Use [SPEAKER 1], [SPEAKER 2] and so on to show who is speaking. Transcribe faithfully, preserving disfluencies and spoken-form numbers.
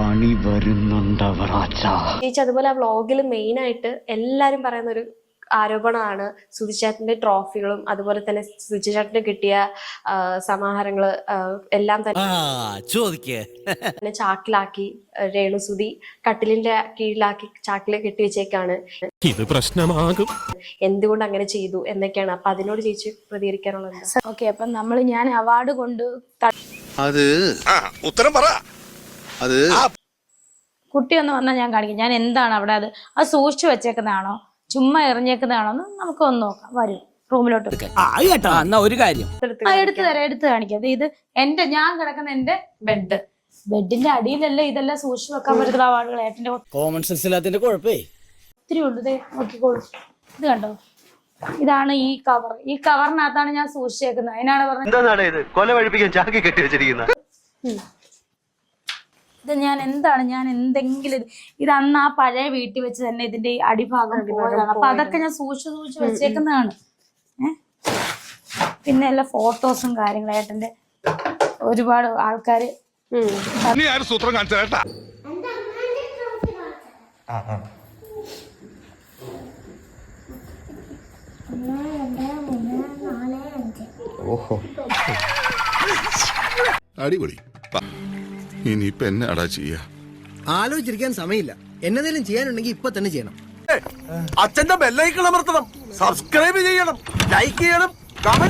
[SPEAKER 1] പണി വരുന്നുണ്ടവറാച്ച.
[SPEAKER 2] ചേച്ചി അതുപോലെ ആ വ്ളോഗിൽ മെയിൻ ആയിട്ട് എല്ലാരും പറയുന്ന ഒരു ആരോപണമാണ് സുധിചേട്ടന്റെ ട്രോഫികളും അതുപോലെ തന്നെ സുധിചേട്ടന് കിട്ടിയ സമാഹാരങ്ങള് എല്ലാം തന്നെ ചാക്കിലാക്കി രേണുസുതി കട്ടിലിന്റെ കീഴിലാക്കി ചാക്കില് കെട്ടിവെച്ചേക്കാണ്.
[SPEAKER 3] ഇത് പ്രശ്നമാകും.
[SPEAKER 2] എന്തുകൊണ്ട് അങ്ങനെ ചെയ്തു എന്നൊക്കെയാണ്. അപ്പൊ അതിനോട് ചേച്ചി പ്രതികരിക്കാനുള്ളത്.
[SPEAKER 4] ഓക്കെ, അപ്പൊ നമ്മള് ഞാൻ അവാർഡ് കൊണ്ട്
[SPEAKER 5] അത് ഉത്തരം പറ. അത്
[SPEAKER 4] കുട്ടി ഒന്ന് വന്നാൽ ഞാൻ കാണിക്കും ഞാൻ എന്താണ് അവിടെ അത് അത് സൂക്ഷിച്ചു വെച്ചേക്കുന്നതാണോ ചുമ്മാ എറിഞ്ഞേക്കുന്നതാണോ എന്ന് നമുക്ക് ഒന്ന് നോക്കാം. വരും റൂമിലോട്ട്
[SPEAKER 6] ഒരു കാര്യം
[SPEAKER 4] എടുത്തു തരാം, എടുത്ത് കാണിക്കാം. ഇത് എന്റെ ഞാൻ കിടക്കുന്ന എന്റെ ബെഡ് ബെഡിന്റെ അടിയിലല്ലേ ഇതെല്ലാം സൂക്ഷിച്ചു വെക്കാൻ പറ്റുന്ന അവാർഡുകൾ. ഏട്ടന്റെ
[SPEAKER 6] കോമൺ സെൻസ് ഇല്ലാത്തതിന്റെ കുഴപ്പേ
[SPEAKER 4] ഒത്തിരി ഉണ്ട്. ഇതേ നോക്കിക്കോളൂ, ഇത് കണ്ടോ, ഇതാണ് ഈ കവർ. ഈ കവറിനകത്താണ് ഞാൻ സൂക്ഷിച്ചേക്കുന്നത്. അതിനാണ് പറഞ്ഞത്
[SPEAKER 5] കൊല വഴിപ്പിക്കാൻ ചാക്കി കെട്ടി വെച്ചിരിക്കുന്നത്.
[SPEAKER 4] ഇത് ഞാൻ എന്താണ് ഞാൻ എന്തെങ്കിലും ഇത് അന്ന് ആ പഴയ വീട്ടിൽ വെച്ച് തന്നെ ഇതിന്റെ ഈ അടിഭാഗം പോയതാണ്. അപ്പൊ അതൊക്കെ ഞാൻ സൂക്ഷിച്ച് സൂക്ഷിച്ച് വെച്ചേക്കുന്നതാണ്. ഏഹ് പിന്നെ എല്ലാ ഫോട്ടോസും കാര്യങ്ങളും ഏട്ടന്റെ ഒരുപാട് ആൾക്കാര്
[SPEAKER 3] സൂത്രം കാണിച്ചാ
[SPEAKER 5] ഓഹോ,
[SPEAKER 7] അടിപൊളി. ഇനിയിപ്പൊ എന്നെ അടാ ചെയ്യാ?
[SPEAKER 8] ആലോചിച്ചിരിക്കാൻ സമയമില്ല. എന്നതെങ്കിലും ചെയ്യാനുണ്ടെങ്കിൽ ഇപ്പൊ തന്നെ ചെയ്യണം.
[SPEAKER 5] അച്ഛന്റെ ബെല്ലൈക്കൺ അമർത്തണം, സബ്സ്ക്രൈബ് ചെയ്യണം, ലൈക്ക് ചെയ്യണം, കമന്റ്